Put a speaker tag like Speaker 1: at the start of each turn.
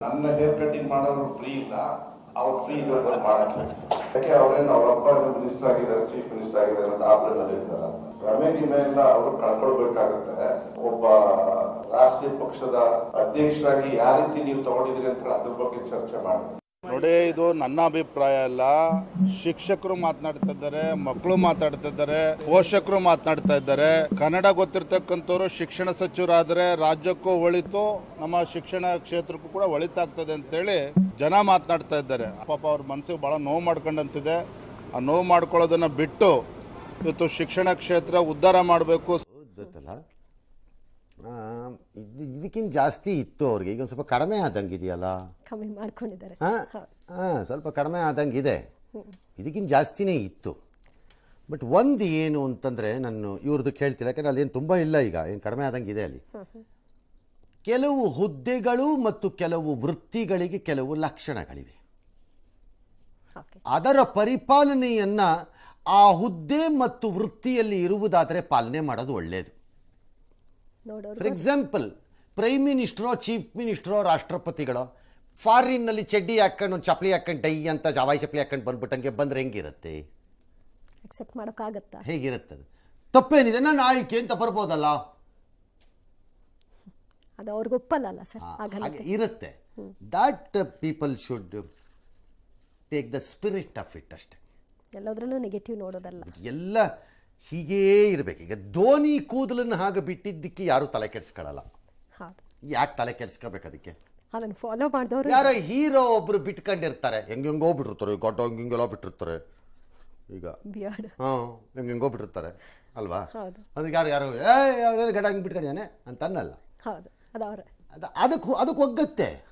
Speaker 1: ನನ್ನ hair cutting ಮಾಡೋರು free ಇಲ್ಲ, ಅವ್ರು ಫ್ರೀ ಇದ್ರೆ ಬಂದು ಮಾಡಕ್ಕೆ. ಯಾಕೆ ಅವ್ರೇನು ಅವರಪ್ಪ ಮಿನಿಸ್ಟರ್ ಆಗಿದ್ದಾರೆ, ಚೀಫ್ ಮಿನಿಸ್ಟರ್ ಆಗಿದ್ದಾರೆ ಅಂತ ಆಪ್ರೇನಲ್ಲಿ ಇರ್ತಾರ ಅಂತ ರಮೇಶ್ ಎಲ್ಲ ಅವರು ಕಳ್ಕೊಳ್ಬೇಕಾಗತ್ತೆ. ಒಬ್ಬ ರಾಷ್ಟ್ರೀಯ ಪಕ್ಷದ ಅಧ್ಯಕ್ಷರಾಗಿ ಯಾವ ರೀತಿ ನೀವು ತಗೊಂಡಿದ್ದೀರಿ ಅಂತ ಅದ್ರ ಬಗ್ಗೆ ಚರ್ಚೆ ಮಾಡಿ.
Speaker 2: ನೋಡಿ, ಇದು ನನ್ನ ಅಭಿಪ್ರಾಯ ಅಲ್ಲ. ಶಿಕ್ಷಕರು ಮಾತನಾಡ್ತಾ ಇದ್ದಾರೆ, ಮಕ್ಕಳು ಮಾತಾಡ್ತಾ ಇದ್ದಾರೆ, ಪೋಷಕರು ಮಾತನಾಡ್ತಾ ಇದ್ದಾರೆ. ಕನ್ನಡ ಗೊತ್ತಿರ್ತಕ್ಕಂಥವ್ರು ಶಿಕ್ಷಣ ಸಚಿವರಾದರೆ ರಾಜ್ಯಕ್ಕೂ ಒಳಿತು, ನಮ್ಮ ಶಿಕ್ಷಣ ಕ್ಷೇತ್ರಕ್ಕೂ ಕೂಡ ಒಳಿತಾಗ್ತದೆ ಅಂತೇಳಿ ಜನ ಮಾತನಾಡ್ತಾ ಇದ್ದಾರೆ. ಪಾಪ ಅವ್ರ ಮನಸ್ಸಿಗೆ ಭಾಳ ನೋವು ಮಾಡ್ಕೊಂಡಂತಿದೆ. ಆ ನೋವು ಮಾಡ್ಕೊಳ್ಳೋದನ್ನ ಬಿಟ್ಟು ಇವತ್ತು ಶಿಕ್ಷಣ ಕ್ಷೇತ್ರ ಉದ್ಧಾರ ಮಾಡಬೇಕು.
Speaker 3: ಇದಕ್ಕಿಂತ ಜಾಸ್ತಿ ಇತ್ತು ಅವ್ರಿಗೆ, ಈಗ ಒಂದು ಸ್ವಲ್ಪ ಕಡಿಮೆ ಆದಂಗಿದೆಯಲ್ಲ,
Speaker 4: ಕಮ್ಮಿ ಮಾಡ್ಕೊಂಡಿದ್ದಾರೆ.
Speaker 3: ಸ್ವಲ್ಪ ಕಡಿಮೆ ಆದಂಗಿದೆ, ಇದಕ್ಕಿಂತ ಜಾಸ್ತಿನೇ ಇತ್ತು. ಬಟ್ ಒಂದು ಏನು ಅಂತಂದರೆ ನಾನು ಇವ್ರದ್ದು ಕೇಳ್ತಿಲ್ಲ, ಯಾಕಂದರೆ ಅಲ್ಲಿ ಏನು ತುಂಬ ಇಲ್ಲ, ಈಗ ಏನು ಕಡಿಮೆ ಆದಂಗಿದೆ. ಅಲ್ಲಿ ಕೆಲವು ಹುದ್ದೆಗಳು ಮತ್ತು ಕೆಲವು ವೃತ್ತಿಗಳಿಗೆ ಕೆಲವು ಲಕ್ಷಣಗಳಿವೆ. ಅದರ ಪರಿಪಾಲನೆಯನ್ನು ಆ ಹುದ್ದೆ ಮತ್ತು ವೃತ್ತಿಯಲ್ಲಿ ಇರುವುದಾದರೆ ಪಾಲನೆ ಮಾಡೋದು ಒಳ್ಳೆಯದು. ಫಾರ್ ಎಕ್ಸಾಂಪಲ್, ಪ್ರೈಮ್ ಮಿನಿಸ್ಟ್ರೋ, ಚೀಫ್ ಮಿನಿಸ್ಟ್ರೋ, ರಾಷ್ಟ್ರಪತಿಗಳೋ ಫಾರಿನ್ನಲ್ಲಿ ಚಡ್ಡಿ ಹಾಕೊಂಡು ಒಂದು ಚಪ್ಪಲಿ ಹಾಕೊಂಡು ಡೈ ಅಂತ ಜವಾಯಿ ಚಪ್ಪಲಿ ಹಾಕೊಂಡು ಬಂದ್ಬಿಟ್ಟಂಗೆ ಬಂದರೆ ಹೆಂಗಿರುತ್ತೆ?
Speaker 4: ಅಕ್ಸೆಪ್ಟ್ ಮಾಡೋಕ್ಕಾಗತ್ತಾ?
Speaker 3: ಹೇಗಿರುತ್ತದೆ? ತಪ್ಪೇನಿದೆ, ನಾನು ಆಯ್ಕೆ ಅಂತ ಬರ್ಬೋದಲ್ಲ,
Speaker 4: ಅದು ಅವ್ರಿಗೆ ಒಪ್ಪಲ್ಲ ಸರ್.
Speaker 3: ಹಾಗೆ ಇರುತ್ತೆ. That people should take the spirit of it ಅಷ್ಟೇ.
Speaker 4: ಎಲ್ಲದರಲ್ಲೂ ನೆಗೆಟಿವ್ ನೋಡೋದಲ್ಲ,
Speaker 3: ಎಲ್ಲ ಹೀಗೇ ಇರಬೇಕು. ಈಗ ಧೋನಿ ಕೂದಲನ್ನು ಹಾಗೆ ಬಿಟ್ಟಿದ್ದಕ್ಕೆ ಯಾರು ತಲೆ ಕೆಡಿಸ್ಕೊಳ್ಳಲ್ಲ. ಯಾಕೆ ತಲೆ ಕೆಡಿಸ್ಕೋಬೇಕು? ಅದಕ್ಕೆ
Speaker 4: ಅದನ್ನು ಫಾಲೋ ಮಾಡಿದವರು
Speaker 3: ಯಾರೋ ಹೀರೋ ಒಬ್ರು ಬಿಟ್ಕೊಂಡಿರ್ತಾರೆ, ಹೆಂಗೆಂಗೋ ಬಿಟ್ಟಿರ್ತಾರೆ, ಗೊಡ್ಡ ಹಿಂಗೆಲ್ಲ ಬಿಟ್ಟಿರ್ತಾರೆ. ಈಗ ಹೆಂಗೆಂಗೋ ಬಿಟ್ಟಿರ್ತಾರೆ ಅಲ್ವಾ? ಅದಕ್ಕೆ ಯಾರು ಯಾರು ಗಡ್ಡ ಹಂಗೆ ಬಿಟ್ಕೊಂಡಿದ್ದಾನೆ ಅಂತ ಅನ್ನಲ್ಲ.
Speaker 4: ಹೌದು, ಅದು ಅವ್ರೆ
Speaker 3: ಅದಕ್ಕೆ ಒಗ್ಗತ್ತೆ.